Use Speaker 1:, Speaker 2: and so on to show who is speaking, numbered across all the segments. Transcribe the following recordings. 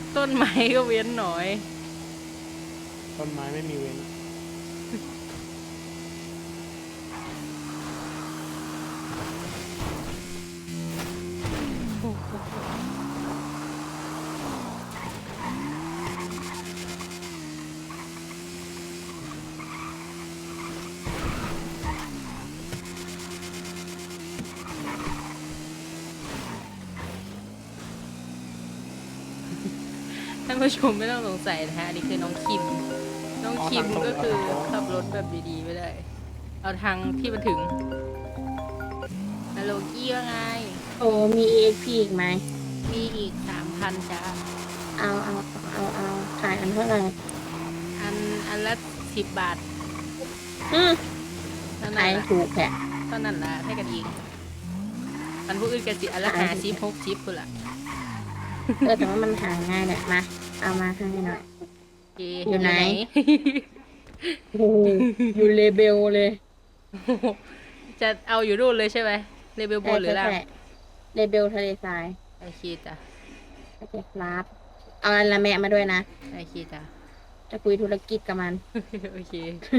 Speaker 1: ต้นไม้ก็เว้นหน่อย
Speaker 2: ต้นไม้ไม่มีเว้น
Speaker 1: ท่านผู้ชมไม่ต้องสงสัยนะฮะอันนี้คือน้องคิม น้องคิมก็คือขับรถแบบดีๆไม่ได้ เอาทางที่มันถึงฮัลโหลกี้ว่าไง
Speaker 3: โอ้มี EXP อีกไหม
Speaker 1: มีอีก 3,000จ้า
Speaker 3: เอาขายอันเท่าไหร่
Speaker 1: อันละ10 บาท
Speaker 3: อืม
Speaker 1: เท่า
Speaker 3: ขา
Speaker 1: นั้น
Speaker 3: ย
Speaker 1: ละ
Speaker 3: ถูกแค่
Speaker 1: เท่านั้นละให้กันอีกมันผู้อื่นกันสิอันละ50 60พุ่นละ
Speaker 3: แต่ว่ามันหาง่ายแหละมา เอามาให้หน่อย
Speaker 1: โอเค
Speaker 3: อยู่ไหน โอ้โหอยู่เลเบลเลย
Speaker 1: จะเอาอยู่นู่นเลยใช่ไหมเลเวลบนหรือล่าง
Speaker 3: ใช่เลเบลทะเลทราย
Speaker 1: โอเคจ้ะ
Speaker 3: โอเคครับเอาอันละแมะมาด้วยนะ
Speaker 1: โอเคจ้ะ
Speaker 3: จะคุยธุรกิจกับมัน
Speaker 1: โอเค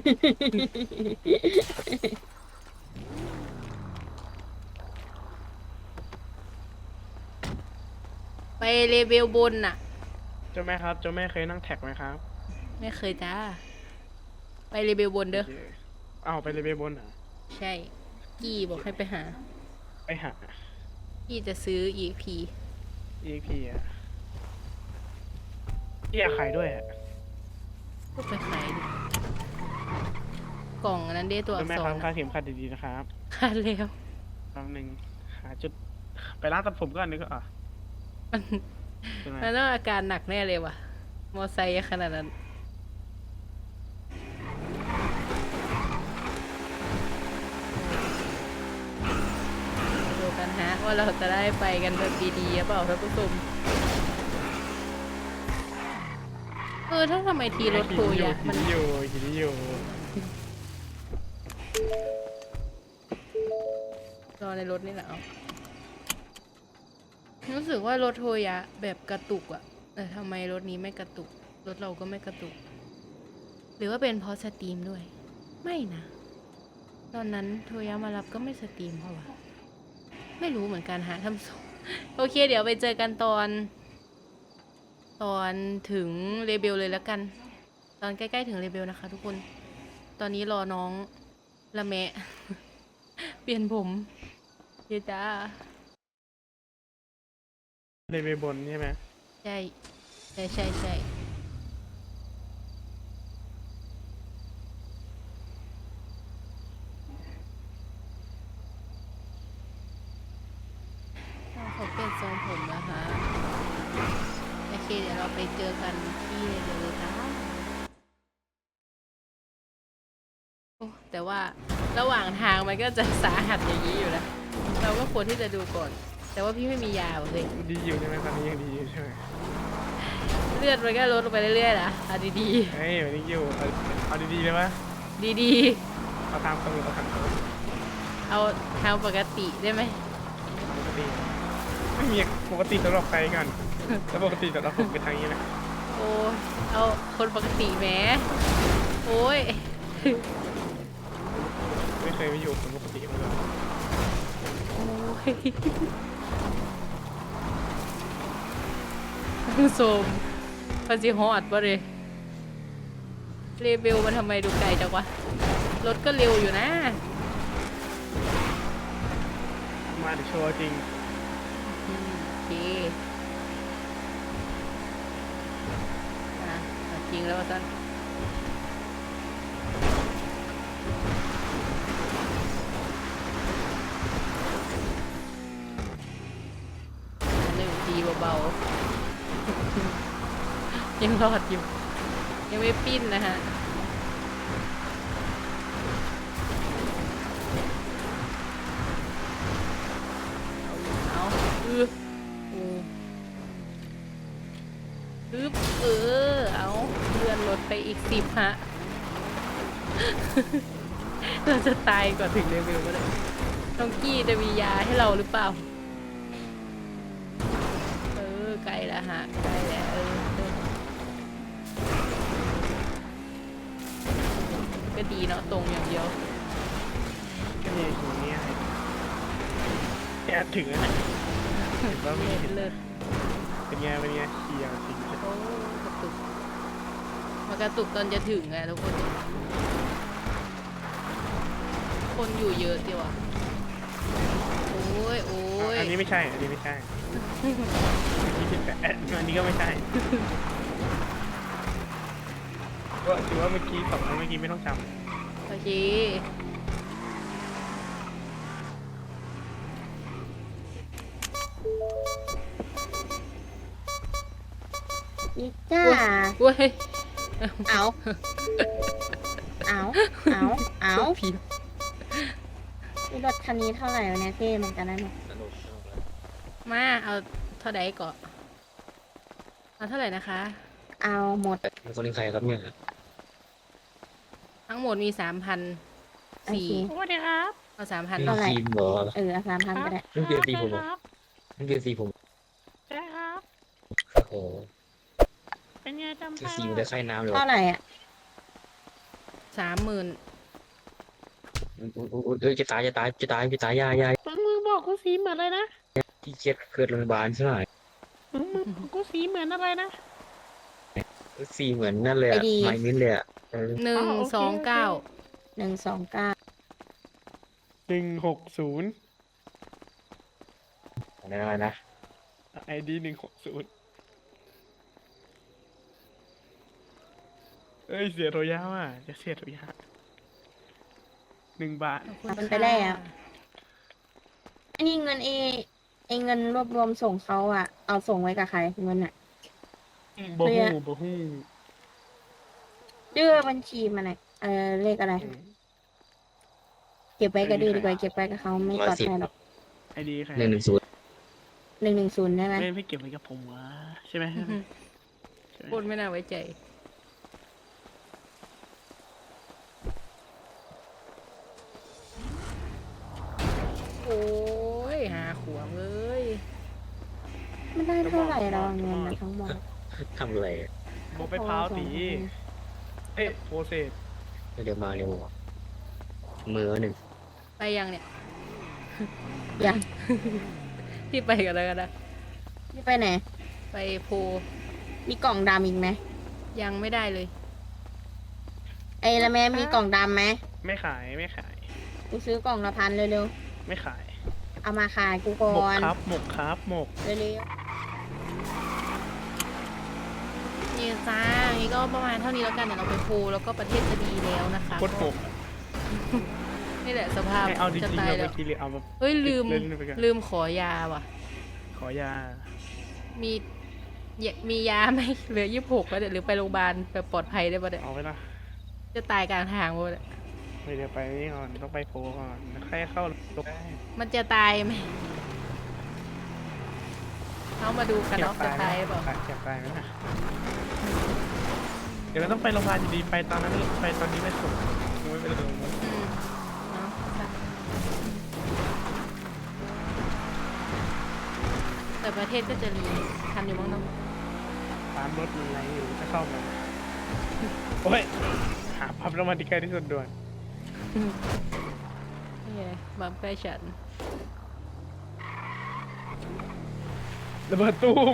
Speaker 1: ไปเลเวลบนน่ะ
Speaker 2: เจ้าแม่ครับเจ้าแม่เคยนั่งแท็กไหมครับ
Speaker 1: ไม่เคยจ้า ไปเลเวลบนเด้อ
Speaker 2: โอเคเอาไปเลยไปบนอ่ะ
Speaker 1: ใช่ กี้บอกให้ไปหา
Speaker 2: ไปหา
Speaker 1: กี้จะซื้อ EP
Speaker 2: EP อ่ะพี่อยากขายด้วยอ่ะ
Speaker 1: ก็ไปขายดิกล่องอันนั้นเด้ตัวอั
Speaker 2: เจ้ากแม่
Speaker 1: ษ
Speaker 2: ครับ
Speaker 1: ร
Speaker 2: คาดเข็มขัดดีๆนะครับ
Speaker 1: ขาดแล้ว
Speaker 2: แป๊บนึงหาจุดไปร้านตัดผมก่อนนึกว่า
Speaker 1: มัน
Speaker 2: ใช่ไหม
Speaker 1: มันต้องอาการหนักแน่เลยว่ะ มอไซค์ขนาดนั้น ดูกันฮะว่าเราจะได้ไปกันแบบดีๆหรือเปล่าท่านผู้ชมถ้าทำไมทีรถทัวร์อะมัน
Speaker 2: ขี่อยู่
Speaker 1: รอในรถนี่แหละเอารู้สึกว่ารถโทยะแบบกระตุกอะแต่ทำไมรถนี้ไม่กระตุก รถเราก็ไม่กระตุก หรือว่าเป็นเพราะสตรีมด้วย ไม่นะ ตอนนั้นโทยะมารับก็ไม่สตรีมเพราะว่าไม่รู้เหมือนกันหาทำส่ง โอเค เดี๋ยวไปเจอกันตอนถึงเลเบลเลยแล้วกัน ตอนใกล้ๆถึงเลเบลนะคะทุกคน ตอนนี้รอน้องละแมะ เปลี่ยนผมเยจ้า
Speaker 2: เลยไปบนใช่ไหม
Speaker 1: ใช่ขอเปลี่ยนทรงผมนะคะโอเคเดี๋ยวเราไปเจอกันที่เลเบลเลยจ้าโอ้แต่ว่าระหว่างทางมันก็จะสาหัสอย่างนี้อยู่นะเราก็ควรที่จะดูก่อน แต่ว่าพี่ไม่มียาเลย
Speaker 2: ดีอยู่ใช่ไหมตอนนี้ยังดีอยู่ใช่ไหม
Speaker 1: เลือดมันก็ลดลงไปเรื่อยๆนะเอาดี
Speaker 2: เฮ้ยวันนี้อยู่เอาดีๆเลยปะ
Speaker 1: ๆดี
Speaker 2: เอาตามตำรวจเอาตามตำรวจ
Speaker 1: ๆเอาทางปกติได้ไหม
Speaker 2: ปกติไม่มีปกติสำหรับใครกันแล้วปกติสำหรับผมเป็นทางนี้แหละ
Speaker 1: โอ้ยเอาคนปกติแหมโอ้ย
Speaker 2: ไม่เคยไม่อยู่คนปกติมาเลย
Speaker 1: โอ้ยผู้ชมพันสิฮอดปะเลยเรเบลมันทำไมดูไกลจังวะ รถก็เร็วอยู่นะ
Speaker 2: มาเดี๋ยวโชว์จริง
Speaker 1: โอเคเอาจริงแล้วสั้นหนึ่งทีเบาๆ ยังรอดอยู่ ยังไม่ปิ้นนะฮะ เอาเอาเลื่อนรถไปอีก10 ฮะ เราจะตายก่อนถึงเลเวลก็ได้น้องกี้จะมียาให้เราหรือเปล่า ใกล้แล้วฮะ ใกล้แล้วดีเนาะตรงอย่างเดียว
Speaker 2: ก็มีอย่างเงี้ยแค่ถึงแล้วนะเห็นว่ามี
Speaker 1: เลิศ
Speaker 2: เป็นไงเชียร์จริง
Speaker 1: โอ้กระตุกมากระตุกตอนจะถึงอะทุกคน คนอยู่เยอะดีว่ะโอ้ยโอ้ย
Speaker 2: อันนี้ไม่ใช่อันนี้ไม่ใช่อันนี้เป็นแต่อันนี้ก็ไม่ใช่ก็ถือว่าเมื่อกี้สองครั้งเมื่อกี้ไม่ต้องจ
Speaker 1: โอเค
Speaker 3: อีจ้า
Speaker 1: เว้ย
Speaker 3: เอาเอาเอา
Speaker 1: ผิด
Speaker 3: รถคันนี้เท่าไหร่วะเนี่ยเท่เหมือนกันนะเนี่ย
Speaker 1: มาเอาเท่าใดก่อนเอาเท่าไหร่นะคะ
Speaker 3: เอาหมด
Speaker 4: เป็นคนใครครับเนี่ย
Speaker 1: ทั้งหมดมี 3,004
Speaker 3: โอเค
Speaker 2: ำสวัสดีครับ
Speaker 1: เอา 3,000
Speaker 4: เป็น
Speaker 1: ก่อน
Speaker 4: ทีมเหรอ
Speaker 3: เอา3,000ก็ได้
Speaker 4: นั่นเปลี่ยนสีผมเหรอนั่นเปลี่ยนสีผม
Speaker 2: ใช่ครับ
Speaker 4: โอ้โห
Speaker 2: เป็นไงจำ
Speaker 4: คือสีมันได้ค่ายน้ำเลยวะ
Speaker 3: เท่าไหร่อ่ะ
Speaker 1: 30,000
Speaker 4: เอ้ยจะตายยาย
Speaker 2: มึงบอกกูสีเหมือนอะไรนะ
Speaker 4: ที่เช็ดเกิดโรงพยาบาลใช่ไหม
Speaker 2: มึงกูสีเหมือนอะไรนะ
Speaker 4: สีเหมือนนั่นเลยอะไม้มิ้นเลยอะ
Speaker 1: 129
Speaker 4: เออ
Speaker 3: 129
Speaker 2: 160
Speaker 4: อะไรนะ
Speaker 2: ID 160เอ้ยเสียโรยาว่ะจะเสียโรยา1 บาท
Speaker 3: มันไปได้อะ อันนี้เงินเงินรวบรวมส่งเขาอ่ะ เอาส่งไว้กับใครเงินอ่ะ
Speaker 2: บ่
Speaker 3: เรี
Speaker 2: ฮู้
Speaker 3: ย
Speaker 2: บ่ฮู้
Speaker 3: ดื้อบัญชีมันอ่ะเลขอะไร เก็บไว้ก็ดีดีกว่าเก็บไว้กับเขาไม่ปลอดภัยหรอก
Speaker 2: ID ใคร
Speaker 4: 110
Speaker 3: 110ได้ไหม
Speaker 2: ไม่เก็บไว้กับผมวะใช่ไหม
Speaker 1: พูดไม่น่าไว้ใจ โอ้ยหาขวงเลย
Speaker 3: ไม่ได้เท่าไหร่เราเงินมาทั้งหมด
Speaker 4: ทำอะไรอะ
Speaker 2: บ่ไปพร้าวตีเอ๊ะโปรเซส
Speaker 4: เร็วมาเร็วมือหนึ่ง
Speaker 1: ไปยังเนี่ย
Speaker 3: ยัง
Speaker 1: ที่ไปกันแล้วกันนะ
Speaker 3: นี่ไปไหน
Speaker 1: ไปโพ
Speaker 3: มีกล่องดำอีกไหม
Speaker 1: ยังไม่ได้เลย
Speaker 3: แล้วแม่มีกล่องดำไหม
Speaker 2: ไม่ขาย
Speaker 3: กูซื้อกล่องละ1,000เร็ว
Speaker 2: ไม่ขาย
Speaker 3: ๆ เอามาขายกูก่
Speaker 2: หมก
Speaker 3: อน
Speaker 2: ครับหมก
Speaker 3: เร็ว
Speaker 1: นี่จ้านี่ก็ประมาณเท่านี้แล้วกันเดี๋ยวเราไปโพแล้วก็ประเทศจะดีแล้วนะคะ
Speaker 2: โคตรหมก
Speaker 1: นี่แหละสภาพ
Speaker 2: ให้เอาจริ
Speaker 1: จะ
Speaker 2: งๆ
Speaker 1: ตาย
Speaker 2: เรา
Speaker 1: แล้
Speaker 2: เมื่
Speaker 1: ว
Speaker 2: อกี้เลยเอามา
Speaker 1: เฮ้ยลืม
Speaker 2: เล่นไปก่อน
Speaker 1: ลืมขอยาว่ะ
Speaker 2: ขอยา
Speaker 1: มียาไหม เหลือ26แล้วเดี๋ยวหรือไปโรงพยาบาลแบบปลอดภัยได้ปะเนี่ย
Speaker 2: เอาไว้ละ
Speaker 1: จะตายกลางทางหมด
Speaker 2: เดี๋ยวไปนี่ก่อนต้องไปโพลก่อนแล้วค่อยเข้าลงได้
Speaker 1: มันจะตายไหมเขามาดูกันเนาะจะตายหรือเปล่า
Speaker 2: เจ็บตายไหมนะเดี๋ยวเราต้องไปโรงพยาบาลอยู่ดีไปตอนนั้นไปตอนนี้ไม่สุดไม่เป็นไร
Speaker 1: อืมเนาะแต่ประเทศก็จะรีทันอยู่มั้งเนาะ
Speaker 2: ตามรถอะไรอยู่จะเข้ามาโอ้ยหาพับรางวัลที่ใกล้ที่สุดด่วน
Speaker 1: นี่ไงบัมใกล้ฉัน
Speaker 2: ระเบิดตุ้ม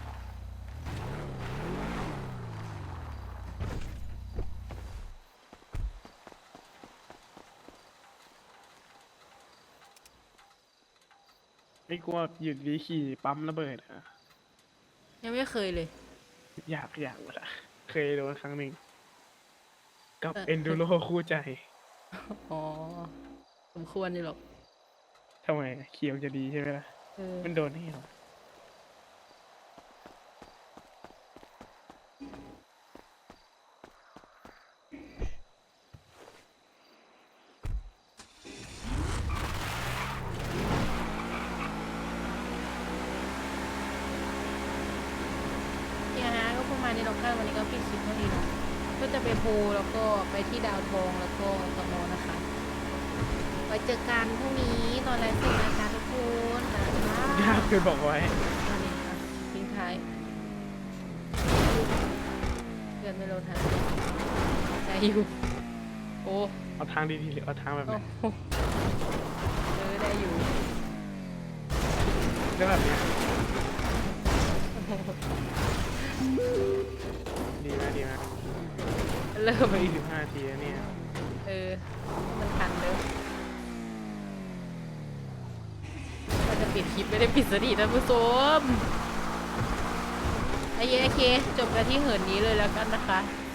Speaker 2: ไม่กลัวหยุดดีขี่ปั๊มระเบิดอ่ะ
Speaker 1: ยังไม่เคยเลย
Speaker 2: อยากหมดอ่ะเคยโดนครั้งหนึ่งกับ
Speaker 1: เออ
Speaker 2: เอนดูโรคู่ใจ
Speaker 1: อ๋อสมควรอยู่หรอก
Speaker 2: ทำไมเขียวจะดีใช่ไหมล่ะ
Speaker 1: เออ
Speaker 2: มันโดนให้เหรอ
Speaker 1: เนี่ยฮะก็ประมาณนี้เราคาดวันนี้ก็ปิดคลิปเท่านี้เนาะก็จะไปโพลแล้วก็ไปที่ดาวทองแล้วก็ตมนะคะ ไว้เจอกันพรุ่งนี้ตอนไลฟ์สดนะคะทุกคนนะคะ
Speaker 2: ยากเกินบอกไว้
Speaker 1: ตอนนี้ค่ะทิ้งท้ายเดือนไม่ลดหาใจอยู่โออ้
Speaker 2: เอาทางดีๆหรือเอาทางแบบไหน
Speaker 1: โอ้โหได้อยู่
Speaker 2: ก็แบบเนี้ยดีไหมดีไหม
Speaker 1: เริ่ม
Speaker 2: ไปอีก15 นาทีแล้วเนี่ย
Speaker 1: มันทันเลยมันจะปิดคลิปไม่ได้ปิดสนิทท่านผู้ชมโอเคจบกันที่เหินนี้เลยแล้วกันนะคะ